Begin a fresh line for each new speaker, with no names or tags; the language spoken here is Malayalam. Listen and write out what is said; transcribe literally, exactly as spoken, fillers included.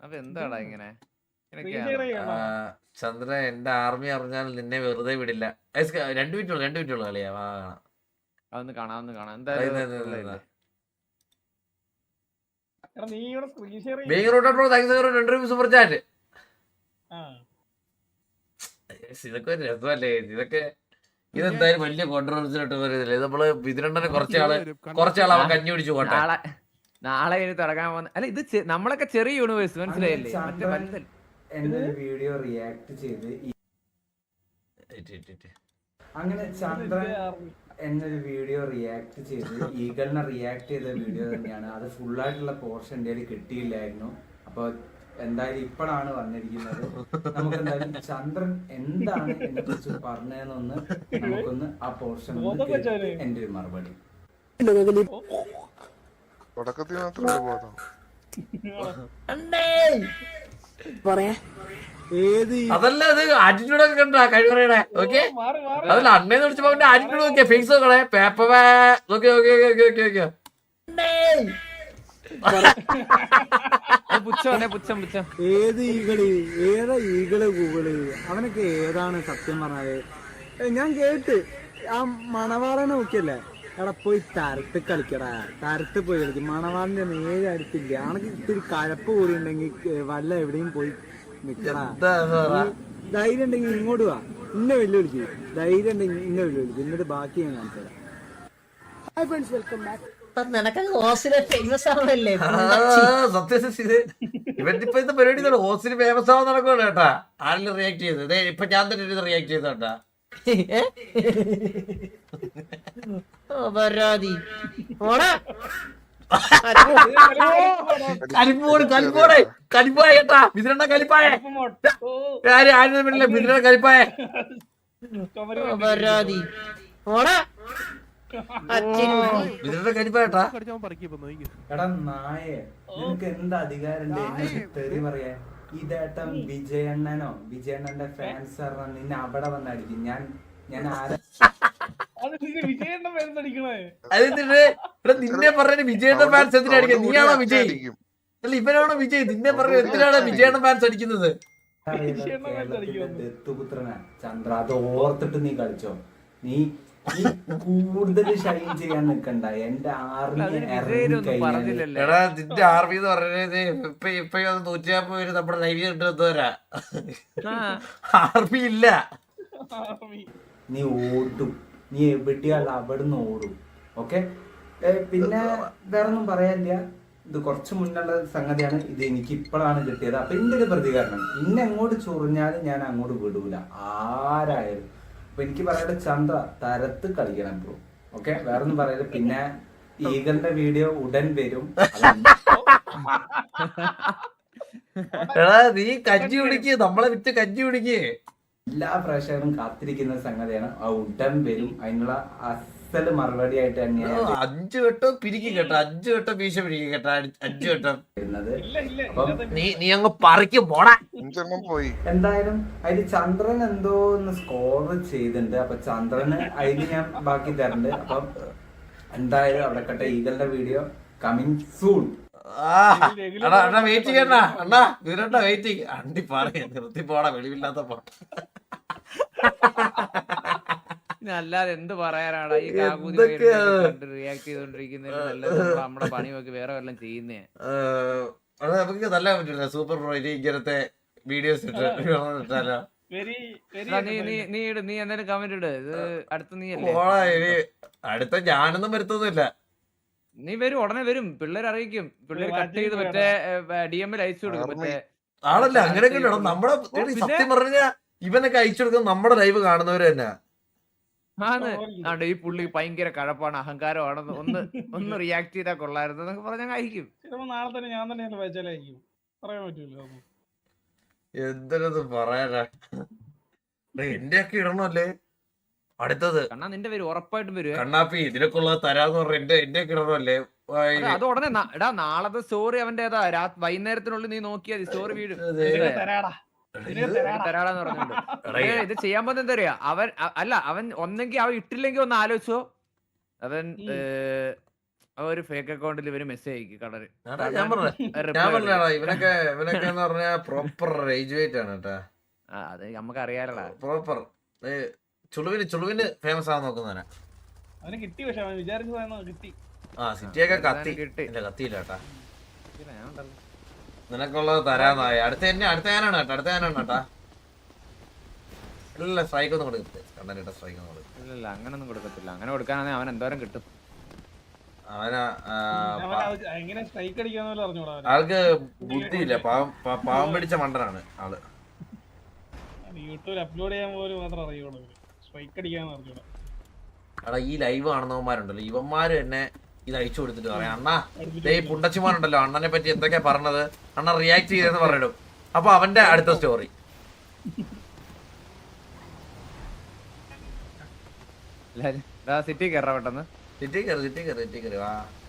അപ്പൊ എന്താടാ ഇങ്ങനെ
ചന്ദ്ര എന്റെ ആർമി അറിഞ്ഞാൽ നിന്നെ വെറുതെ വിടില്ല. രണ്ടു മിനിറ്റ് രണ്ടു മിനിറ്റ് ഉള്ളു കളിയാ.
അതൊന്ന് കാണാം ഒന്ന് കാണാം എന്തായാലും.
Super chat. ഇതൊക്കെ ഒരു രസമല്ലേ ഇതൊക്കെ. ഇതെന്തായാലും വലിയ കോൺട്രവേഴ്സി ആയിട്ട് വരുന്നില്ല. നമ്മള് ഇതിരണ്ടനെ കുറച്ചാള് കുറച്ചാൾ അവൻ കഞ്ഞി പിടിച്ചു പോട്ടെ.
നാളെ ഇനി തുടങ്ങാൻ പോകുന്ന അല്ല ഇത് നമ്മളൊക്കെ ചെറിയ യൂണിവേഴ്സ് മനസ്സിലായില്ലേ. മറ്റേ വലുതല്ല.
എന്നൊരു വീഡിയോ റിയാക്ട് ചെയ്ത് അങ്ങനെ ചന്ദ്രൻ എന്നൊരു വീഡിയോ റിയാക്ട് ചെയ്ത് ഈഗളിനെ റിയാക്ട് ചെയ്ത വീഡിയോ തന്നെയാണ്. അത് ഫുള്ളായിട്ടുള്ള പോർഷൻ എൻ്റെ കയ്യിൽ കിട്ടിയില്ലായിരുന്നു. അപ്പൊ എന്തായാലും ഇപ്പോഴാണ് വന്നിരിക്കുന്നത്. നമുക്ക് എന്തായാലും ചന്ദ്രൻ എന്താണ് എന്നെ കുറിച്ച് പറഞ്ഞതെന്നൊന്ന് നമുക്കൊന്ന് ആ പോർഷൻ എന്റെ ഒരു മറുപടി.
തുടക്കത്തിൽ മാത്രമേ ബോധം
അതല്ല അത് ആറ്റിറ്റ്യൂഡ് ഒക്കെ കണ്ടാ കഴിവറയുടെ. ഓക്കെ അതല്ല അണ്ണേന്ന് വിളിച്ചപ്പോ അവന്റെ ആറ്റിറ്റ്യൂഡ് നോക്കിയാ ഫേസ് നോക്കണേ. Paper okay okay okay okay okay
ഏത് ഈകള് ഏതാ ഈകള് ഗൂഗിള് അവനൊക്കെ ഏതാണ് സത്യം പറഞ്ഞാല്. ഞാൻ കേട്ട് ആ മണവാളനെ നോക്കിയല്ലേ എടാ പോയി തരത്ത് കളിക്കടാ. തരത്ത് പോയി കളിക്കും. മണവാളിന്റെ നേരെ അടുത്തില്ല. ആണെങ്കിൽ ഇത്തിരി കഴപ്പ് കൂടി ഉണ്ടെങ്കിൽ വല്ല എവിടെയും പോയി നിക്കടാ. ധൈര്യം ഉണ്ടെങ്കിൽ ഇങ്ങോട്ട് വാ. ഇന്നെ വെല്ലുവിളിക്കും. ധൈര്യം ഉണ്ടെങ്കിൽ ഇന്നെ വെല്ലുവിളിക്കും. എന്നിട്ട് ബാക്കി ഞാൻ കാണിച്ചു തരാം.
ഇവന്റിപ്പോ ഇത്തെ പരിപാടി ഹോസ്റ്റിന് ഫേമസ് ആവാൻ നടക്കുവാണ് കേട്ടാ. ആരെങ്കിലും റിയാക്ട് ചെയ്തത് ഇപ്പൊ ഞാൻ തന്നെ റിയാക്ട് ചെയ്തോട്ടാ. കലിപ്പോട് കലിപ്പോടെ കലിപ്പായ കേട്ടാ. മിഥുനണ്ണ കലിപ്പായ ആര് ആരും പറ്റില്ല. മിഥുനണ്ണ കലിപ്പായ മിഥുനണ്ണ കലിപ്പായട്ടാ.
എടാ നായേ നിനക്ക് എന്ത് അധികാരം തെറി പറയാ. ഇതേട്ടം വിജയണ്ണനോ വിജയണ്ണന്റെ ഫാൻസ് പറഞ്ഞ നിന്നെ അവിടെ വന്നടിക്കും. ഞാൻ ഞാൻ ആരാ
നിന്നെ പറഞ്ഞ വിജയണ്ണ ഫാൻസ് എന്തിനാ അടിക്കുക? നീയാണോ വിജയ്? അല്ല ഇവനാണോ വിജയ്? നിന്നെ പറഞ്ഞ എന്തിനാണ് വിജയണ്ണ ഫാൻസ് അടിക്കുന്നത്?
ദത്തുപുത്രനാ ചന്ദ്ര. അത് ഓർത്തിട്ട് നീ കളിച്ചോ. നീ കൂടുതൽ ഷൈൻ ചെയ്യാൻ നിക്കണ്ട. എന്റെ ആർമി
എടാ നിന്റെ ആർമി എന്ന് പറഞ്ഞത് ഇപ്പൊ ഇപ്പൊ നൂറ്റി നാപ്പത് പേര് നമ്മുടെ ലൈവ് കിട്ടുന്നവരാ. ആർമി ഇല്ല.
നീ ഓടും. നീ എവിടെയാണ് അവിടുന്ന് ഓടും. ഓക്കെ പിന്നെ വേറൊന്നും പറയാനില്ല. ഇത് കുറച്ച് മുന്നുള്ള സംഗതിയാണ്. ഇത് എനിക്ക് ഇപ്പോഴാണ് കിട്ടിയത്. അപ്പൊ എന്റെ ഒരു പ്രതികരണം ഇന്നെ എങ്ങോട്ട് ചൊറിഞ്ഞാലും ഞാൻ അങ്ങോട്ട് വിടൂല ആരായാലും. അപ്പൊ എനിക്ക് പറയാതെ ചന്ദ്ര തരത്ത് കളിക്കണം ബ്രോ. ഓക്കെ വേറൊന്നും പറയല്. പിന്നെ ഈഗലിന്റെ വീഡിയോ ഉടൻ വരും.
എടാ നീ കഞ്ഞി കുടിക്ക്. നമ്മളെ വിറ്റ് കഞ്ഞി കുടിക്ക്.
എല്ലാ പ്രേക്ഷകരും കാത്തിരിക്കുന്ന സംഗതിയാണ്. ആ ഉടൻ വരും. അതിനുള്ള അസല് മറുപടി ആയിട്ട് തന്നെയാണ്
അഞ്ചു വട്ടം പിരിക്കും കേട്ടോ. അഞ്ചു വട്ടം വീശ പിരിക്കും കേട്ടോ. അഞ്ചു വട്ടം
വരുന്നത്.
നീ നീ അങ്ങ് പറിക്കും പോടാ.
പോയി
എന്തായാലും അതില് ചന്ദ്രൻ എന്തോ ഒന്ന് സ്കോർ ചെയ്തിട്ടുണ്ട്. അപ്പൊ ചന്ദ്രന് അതില് ഞാൻ ബാക്കി തരുന്നുണ്ട്. അപ്പം എന്തായാലും അവിടെ കട്ടെ. ഈഗലിന്റെ വീഡിയോ കമ്മിങ് സൂൺ.
വെയിറ്റ് ചെയ്യണ്ട അണ്ണാ. വീരണ്ട വെയിറ്റിംഗ്. അണ്ടി പറയാ നിർത്തി പോടാ. വെളിവില്ലാത്ത പോട്ടെ.
അല്ലാതെ എന്ത് പറയാനാണ് ഈ റിയാക്ട് ചെയ്തോണ്ടിരിക്കുന്നത്. നമ്മുടെ പണി നോക്കി വേറെ വല്ലതും ചെയ്യുന്നേ.
നമുക്ക് നല്ല പറ്റില്ല. സൂപ്പർ പ്രോ ഇങ്ങനത്തെ വീഡിയോസ് ഇട്ടാലോ.
നീ നീ നീ ഇട്. നീ എന്തായാലും കമന്റ് ഇട്. ഇത് അടുത്ത നീ
അടുത്ത ഞാനൊന്നും വരുത്തൊന്നുമില്ല.
നീ വരും. ഉടനെ വരും. പിള്ളേർ അറിയിക്കും. പിള്ളേർ കട്ട് ചെയ്ത് മറ്റേ ഡി എമ്മിൽ അയച്ചു കൊടുക്കും. മറ്റേ
ആണല്ലേ അങ്ങനെയൊക്കെ നമ്മുടെ സത്യം പറഞ്ഞാ ഇവനൊക്കെ അയച്ചു കൊടുക്കുന്നത് നമ്മുടെ ലൈവ് കാണുന്നവര് തന്നെ.
ആണ് ഈ പുള്ളി ഭയങ്കര കഴപ്പാണ്, അഹങ്കാരമാണെന്ന് ഒന്ന് ഒന്ന് റിയാക്ട് ചെയ്താൽ കൊള്ളായിരുന്നു എന്നൊക്കെ പറഞ്ഞാൽ അയക്കും.
നാളെ തന്നെ ഞാൻ തന്നെ വായിച്ചാലായിരിക്കും. പറയാൻ പറ്റൂല.
എന്തൊരു പറയാനാ. എന്റെ ഒക്കെ ഇടണല്ലേ അടുത്തത്.
കണ്ണാ നിന്റെ പേര് ഉറപ്പായിട്ടും വരും.
കണ്ണാപ്പി ഇതിനൊക്കെ ഉള്ളത് തരാന്ന് പറഞ്ഞ എന്റെ എന്റെ ഒക്കെ ഇടണല്ലേ.
അത് ഉടനെ എടാ നാളത്തെ സ്റ്റോറി അവന്റെ ഏതാ രാത്രി വൈകുന്നേരത്തിനുള്ളിൽ നീ നോക്കിയാൽ സ്റ്റോറി വീഴും. തരാടാന്ന് പറഞ്ഞിട്ടുണ്ട്. ഇത് ചെയ്യാൻ പോകുന്ന എന്താ പറയാ. അവൻ അല്ല അവൻ ഒന്നെങ്കിൽ അവൻ ഇട്ടില്ലെങ്കിൽ ഒന്ന് ആലോചിച്ചോ. അവൻ ആ ഒരു ഫേക്ക് അക്കൗണ്ടിൽ ഇവര് മെസ്സേജ് അയക്കും കടല്
എടാ, ഞാൻ പറഞ്ഞ ഞാൻ പറഞ്ഞാടാ ഇവനൊക്കെ ഇവനൊക്കെ എന്ന് പറഞ്ഞാ പ്രോപ്പർ റേജ് വെയിറ്റ് ആണ് കേട്ടാ.
അത് നമുക്ക് അറിയാലടാ.
പ്രോപ്പർ ചുളുവിന് ചുളുവിന് ഫേമസ് ആവാൻ നോക്കുന്നവനാ.
അവന് കിട്ടി, പക്ഷെ അവൻ വിചാരിച്ചതായിരുന്നു കിട്ടി.
ആ സിറ്റിയൊക്കെ കത്തി
കിട്ടി.
ഇല്ല കത്തിയില്ല കേട്ടാ.
ഞാൻ ഉണ്ടല്ലോ.
നിനക്കുള്ളത് തരാന്നായി. അടുത്ത എന്നെ അടുത്ത ഞാനാണ് കേട്ടോ അടുത്ത ഞാനാണ് കേട്ടാ. ഇല്ല സ്ട്രൈക്ക് ഒന്നും കൊടുക്കത്തില്ല. കണ്ടന്റ സ്ട്രൈക്ക് ഒന്നും കൊടുക്കും.
ഇല്ല ഇല്ല അങ്ങനൊന്നും കൊടുക്കത്തില്ല. അങ്ങനെ കൊടുക്കാനാണെങ്കിൽ അവൻ എന്തോരം കിട്ടും.
അവനാ ആ,
അവൻ അത് എങ്ങനെ സ്ട്രൈക്ക് അടിക്കാന്ന് പോലും അറിഞ്ഞൂടാ അവന്.
ആൾക്ക് ബുദ്ധിയില്ല. പാവം പ- പാവം പിടിച്ച മണ്ടനാണ് ആള്.
യൂട്യൂബിൽ അപ്ലോഡ് ചെയ്യാൻ പോലും മാത്രം അറിയുള്ളൂ. സ്ട്രൈക്ക് അടിക്കാന്ന് അറിഞ്ഞൂടാ.
എടാ ഈ ലൈവ് കാണുന്നവന്മാരുണ്ടല്ലോ ഇവന്മാര് തന്നെ ഇത് അയച്ചു കൊടുത്തിട്ട് പറയാം അണ്ണാ ദേ ഈ പുണ്ടച്ചിമാരുണ്ടല്ലോ അണ്ണനെ പറ്റി എന്തൊക്കെയാ പറഞ്ഞത് അണ്ണൻ റിയാക്ട് ചെയ്തെന്ന് പറഞ്ഞിടും. അപ്പൊ അവന്റെ അടുത്ത സ്റ്റോറി
സിറ്റി കയറാ പെട്ടെന്ന്.
സിറ്റി കയറി സിറ്റി കയറി സിറ്റി കയറി വാ